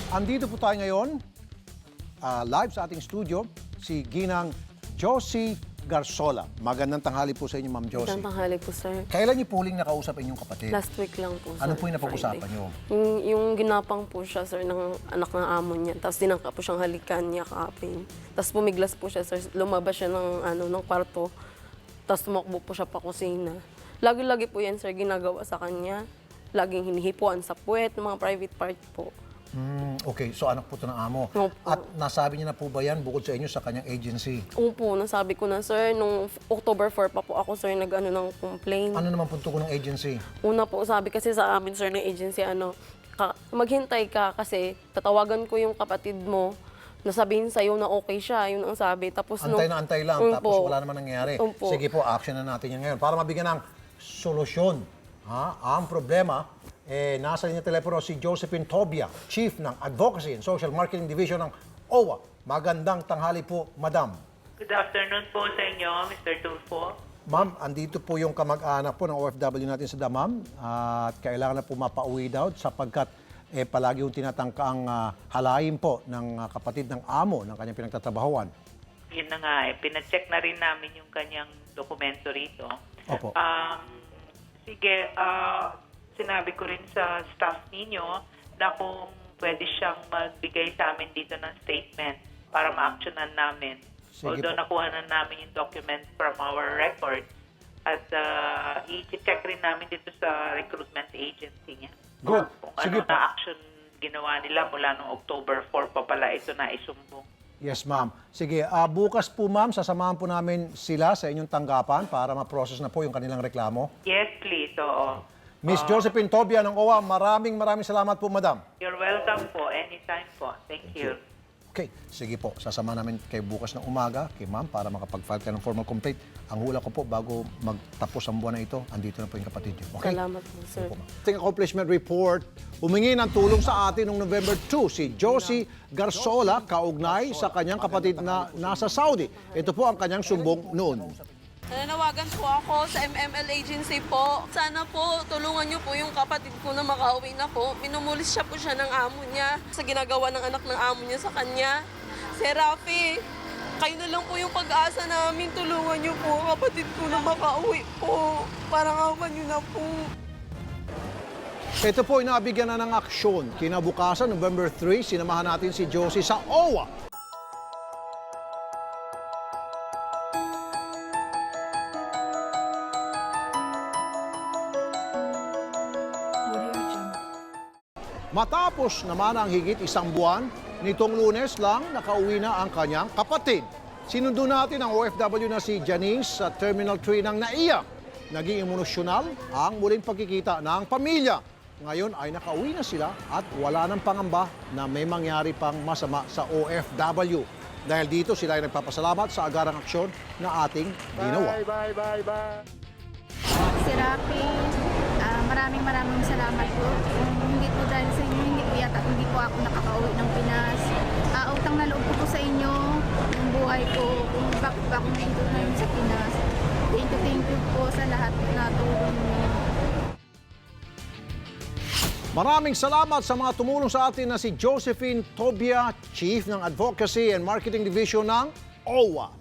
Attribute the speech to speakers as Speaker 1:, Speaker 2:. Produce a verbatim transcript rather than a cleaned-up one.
Speaker 1: Andito po tayo ngayon, ah, live sa ating studio, si Ginang Josie Garzola. Magandang tanghali po sa inyo, Ma'am Josie.
Speaker 2: Magandang tanghali po, sir.
Speaker 1: Kailan niyo po huling nakausap inyong kapatid?
Speaker 2: Last week lang po, sir.
Speaker 1: Ano po yung napag-usapan
Speaker 2: Friday.
Speaker 1: niyo?
Speaker 2: Yung, yung ginapang po siya, sir, ng anak ng amo niya. Tapos dinangka po siyang halikan niya kaapin. Tapos pumiglas po siya, sir. Lumabas siya ng, ano, ng kwarto. Tapos tumakbo po siya pa kusina. Lagi-lagi po yan, sir, ginagawa sa kanya. Laging hinihipuan sa puwet, ng mga private part po.
Speaker 1: Hmm, okay, so anak po ito ng amo.
Speaker 2: Opo.
Speaker 1: At nasabi niya na po ba yan bukod sa inyo sa kanyang agency?
Speaker 2: Opo, nasabi ko na, sir, nung October four pa po ako, sir, nag-ano ng complaint.
Speaker 1: Ano naman punto ko ng agency?
Speaker 2: Una po, sabi kasi sa amin, sir, ng agency, ano, ka, maghintay ka kasi tatawagan ko yung kapatid mo na sabihin sa'yo na okay siya, yun ang sabi. Tapos
Speaker 1: Antay
Speaker 2: nung-
Speaker 1: na antay lang,
Speaker 2: Opo.
Speaker 1: tapos wala naman nangyayari.
Speaker 2: Opo.
Speaker 1: Sige po, action na natin yan ngayon para mabigyan ng solusyon. Ha? Ang problema, eh, nasa linya telepono si Josephine Tobia, Chief ng Advocacy and Social Marketing Division ng O W A. Magandang tanghali po, Madam.
Speaker 3: Good afternoon po sa inyo, Mister Tulfo.
Speaker 1: Ma'am, andito po yung kamag-anak po ng O F W natin sa Damam at kailangan na po mapauwi daw sapagkat eh, palagi yung tinatangkaang uh, halayin po ng uh, kapatid ng amo ng kanyang pinagtatrabahuan.
Speaker 3: Yun na nga, eh, pinacheck na rin namin yung kanyang dokumento rito.
Speaker 1: Opo.
Speaker 3: Um, sige, ah, sinabi ko rin sa staff ninyo na kung pwede siyang magbigay sa amin dito ng statement para ma-actionan namin.
Speaker 1: Sige
Speaker 3: Although
Speaker 1: po.
Speaker 3: nakuha na namin yung document from our records at uh, i-check rin namin dito sa recruitment agency niya.
Speaker 1: Good.
Speaker 3: Kung
Speaker 1: Sige
Speaker 3: ano
Speaker 1: po.
Speaker 3: na action ginawa nila mula noong October four pa pala ito na isumbong.
Speaker 1: Yes, ma'am. Sige, ah, bukas po, ma'am, sasamahan po namin sila sa inyong tanggapan para ma-process na po yung kanilang reklamo.
Speaker 3: Yes, please. Oo.
Speaker 1: Miss Josephine Tobia ng O W A, maraming maraming salamat po, madam.
Speaker 3: You're welcome po. Anytime po. Thank you.
Speaker 1: Okay, sige po. Sasama namin kay bukas ng umaga, kay ma'am, para makapag-file ka ng formal complaint. Ang hula ko po, bago magtapos ang buwan na ito, andito na po yung kapatid niyo. Okay?
Speaker 2: Salamat po, sir.
Speaker 1: Ating accomplishment report, humingi ng tulong sa atin noong November two, si Josie Garzola, kaugnay sa kanyang kapatid na nasa Saudi. Ito po ang kanyang sumbong noon.
Speaker 2: Nananawagan po ako sa M M L agency po. Sana po tulungan niyo po yung kapatid ko na makauwi na po. Minumulis siya po siya ng amo niya sa ginagawa ng anak ng amo niya sa kanya. Sir Rafi, kayo na lang po yung pag-asa namin. Tulungan niyo po ang kapatid ko na makauwi po. Parang awan niyo na po.
Speaker 1: Ito po, inabigyan na ng aksyon. Kinabukasan, November three, sinamahan natin si Josie sa O W A. Matapos naman ang higit isang buwan, nitong Lunes lang nakauwi na ang kanyang kapatid. Sinundo natin ang O F W na si Janice sa Terminal three ng naiyak. Naging emosyonal ang muling pagkikita ng pamilya. Ngayon ay nakauwi na sila at wala nang pangamba na may mangyari pang masama sa O F W. Dahil dito sila ay nagpapasalamat sa agarang aksyon na ating ginawa.
Speaker 4: Bye, bye, bye, bye.
Speaker 5: Si Rafi, ah, maraming maraming salamat po. Kung hindi po dahil sa inyo, hindi po yata, hindi po ako nakakauwi ng Pinas. Ah, utang na loob ko po sa inyo, yung buhay ko, kung bakit ba ako nandito na yun sa Pinas. Thank you, thank you po sa lahat na tulong niyo.
Speaker 1: Maraming salamat sa mga tumulong sa atin na si Josephine Tobia, Chief ng Advocacy and Marketing Division ng O W A.